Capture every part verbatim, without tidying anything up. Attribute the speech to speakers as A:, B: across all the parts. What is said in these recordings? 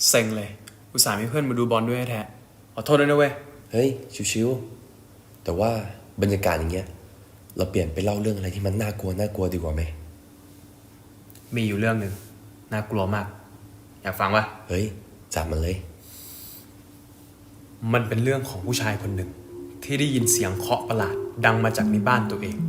A: เซ็งเลยอุตส่าห์มีเพื่อนมาดูบอลด้วยแท้ขอโทษด้วยนะเว้ย
B: เฮ้ยชิวๆแต่ว่าบรรยากาศอย่างเงี้ยเราเปลี่ยนไปเล่าเรื่องอะไรที่มันน่ากลัวน่ากลัวดีกว่าไหม
A: มีอยู่เรื่องหนึ่งน่ากลัวมากอยากฟังปะ
B: เฮ้ยจับมันเลย
A: มันเป็นเรื่องของผู้ชายคนหนึ่งที่ได้ยินเสียงเคาะประหลาดดังมาจากในบ้านตัวเอง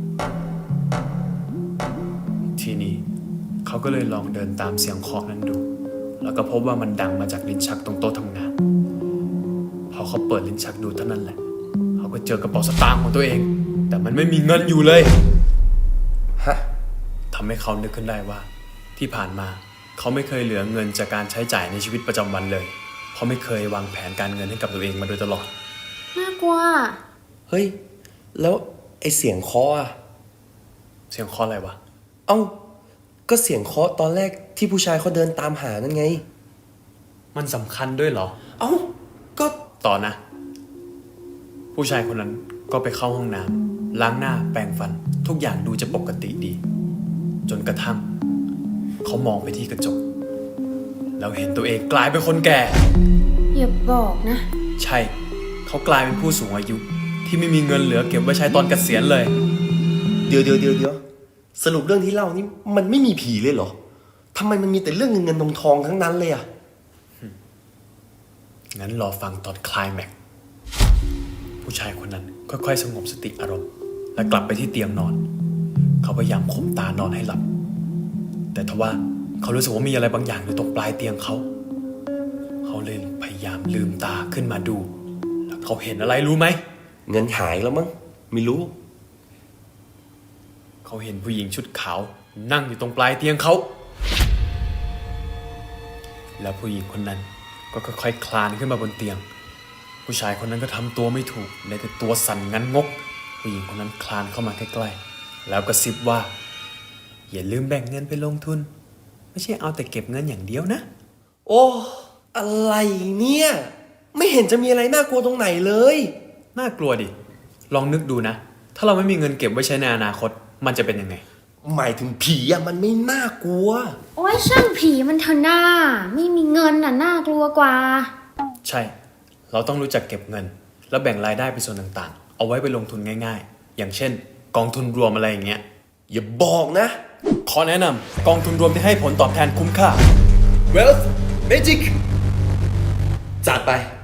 A: ทีนี้เขาก็เลยลองเดินตามเสียงเคาะนั้นดูแล้วก็พบว่ามันดังมาจากลิ้นชักตรงโต๊ะทำงานพอเขาเปิดลิ้นชักดูเท่านั้นแหละเขาก็เจอกระเป๋าสตางค์ของตัวเองแต่มันไม่มีเงินอยู่เลย
B: ฮะ
A: ทำให้เขานึกขึ้นได้ว่าที่ผ่านมาเขาไม่เคยเหลือเงินจากการใช้จ่ายในชีวิตประจำวันเลยเพราะไม่เคยวางแผนการเงินให้กับตัวเองมาโดยตลอด
C: น่ากลัว
B: เฮ้ยแล้วไอเสียงเคาะอะ
A: เสียงเคาะอะไรวะ
B: เอ้าก็เสียงเคาะตอนแรกที่ผู้ชายเขาเดินตามหานั่นไง
A: มันสำคัญด้วยเหรอ
B: เอ้าก็
A: ต่อนะผู้ชายคนนั้นก็ไปเข้าห้องน้ำล้างหน้าแปรงฟันทุกอย่างดูจะปกติดีจนกระทั่งเขามองไปที่กระจกแล้วเห็นตัวเองกลายเป็นคนแก่
C: อย่าบอกนะ
A: ใช่เขากลายเป็นผู้สูงอายุที่ไม่มีเงินเหลือเก็บไว้ใช้ตอนเกษียณเลย
B: เดี๋ยวเดี๋ยวเดี๋ยวเดี๋ยวสรุปเรื่องที่เล่านี่มันไม่มีผีเลยเหรอทำไมมันมีแต่เรื่องเงินเงินทองทองทั้งนั้นเลยอะ
A: งั้นรอฟังตอนคลายแม็กซ์ผู้ชายคนนั้นค่อยๆสงบสติอารมณ์และกลับไปที่เตียงนอนเขาพยายามข่มตานอนให้หลับแต่ทว่าเขารู้สึกว่ามีอะไรบางอย่างอยู่ตรงปลายเตียงเขาเขาเลยพยายามลืมตาขึ้นมาดูแล้วเขาเห็นอะไรรู้ไหม
B: เงินหายแล้วมั้งไม่รู้
A: เขาเห็นผู้หญิงชุดขาวนั่งอยู่ตรงปลายเตียงเขาแล้วผู้หญิงคนนั้นก็ค่อยๆ ค, คลานขึ้นมาบนเตียงผู้ชายคนนั้นก็ทำตัวไม่ถูกเลยแต่ตัวสั่นงันงกผู้หญิงคนนั้นคลานเข้ามาใกล้ๆแล้วก็ซิบว่าอย่าลืมแบ่งเงินไปลงทุนไม่ใช่เอาแต่เก็บเงินอย่างเดียวนะ
B: โอ้อะไรเนี่ยไม่เห็นจะมีอะไรน่ากลัวตรงไหนเลย
A: น่ากลัวดิลองนึกดูนะถ้าเราไม่มีเงินเก็บไว้ใช้ในอนาคตมันจะเป็นยังไง
B: หมายถึงผีอะมันไม่น่ากลัว
C: โอ้ยช่างผีมันเถอะหน้าไม่มีเงินน่ะน่ากลัวกว่า
A: ใช่เราต้องรู้จักเก็บเงินแล้วแบ่งรายได้เป็นส่วนต่างๆเอาไว้ไปลงทุนง่ายๆอย่างเช่นกองทุนรวมอะไรอย่างเงี้ย
B: อย่าบอกนะ
A: ขอแนะนำกองทุนรวมที่ให้ผลตอบแทนคุ้มค่า
B: Wealth Magic จัดไป